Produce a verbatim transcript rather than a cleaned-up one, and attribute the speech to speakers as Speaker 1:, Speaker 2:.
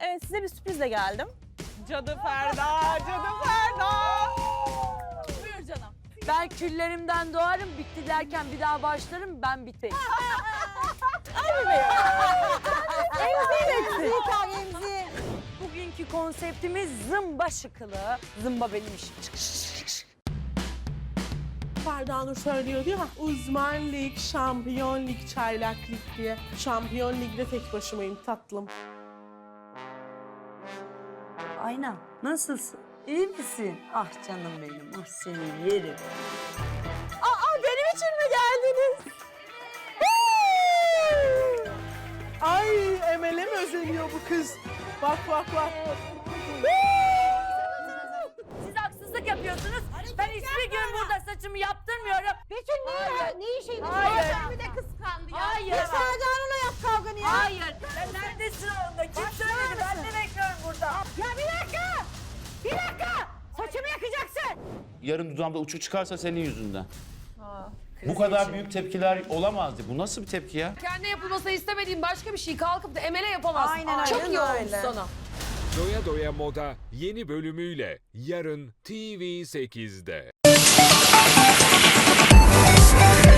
Speaker 1: Evet, size bir sürprizle geldim.
Speaker 2: Cadı Ferda, Cadı Ferda.
Speaker 1: Buyur canım.
Speaker 3: Ben küllerimden doğarım, bitti derken bir daha başlarım, ben biteyim.
Speaker 1: Emzi.
Speaker 3: Bugünkü konseptimiz zımba şıkılı. Zımba benim işim. Çık, çık, çık, çık.
Speaker 4: Ferda Nur söylüyordu ya, uzman lig, şampiyon lig, çaylak lig diye. Şampiyon ligde tek başımayım tatlım.
Speaker 3: Aynen. Nasılsın? İyi misin? Ah canım benim, ah seni yerim.
Speaker 1: Aa, benim için mi geldiniz?
Speaker 4: Ay Emel'e mi özeniyor bu kız? Bak bak bak.
Speaker 3: Siz haksızlık yapıyorsunuz. Ben hiçbir gün burada saçımı yaptırmıyorum.
Speaker 1: Betül ne, ne işin?
Speaker 3: Hayır.
Speaker 1: Bir de kıskandı ya.
Speaker 3: Hayır.
Speaker 1: Ya Ferda Nur'la yap kavganı ya.
Speaker 3: Hayır. Sen neredesin onda? Kim söyledi? Ben de bekliyorum burada.
Speaker 1: Ya bir dakika. Bir dakika. Saçımı yakacaksın.
Speaker 5: Yarın dudağımda uçuk çıkarsa senin yüzünden. Bu kadar büyük tepkiler olamazdı. Bu nasıl bir tepki ya?
Speaker 6: Kendi yapılmasını istemediğin başka bir şey kalkıp da Emel'e yapamazsın.
Speaker 1: Aynen,
Speaker 6: Çok
Speaker 1: aynen
Speaker 6: iyi olmuş
Speaker 1: öyle.
Speaker 6: sana.
Speaker 7: Doya Doya Moda yeni bölümüyle yarın T V sekizde.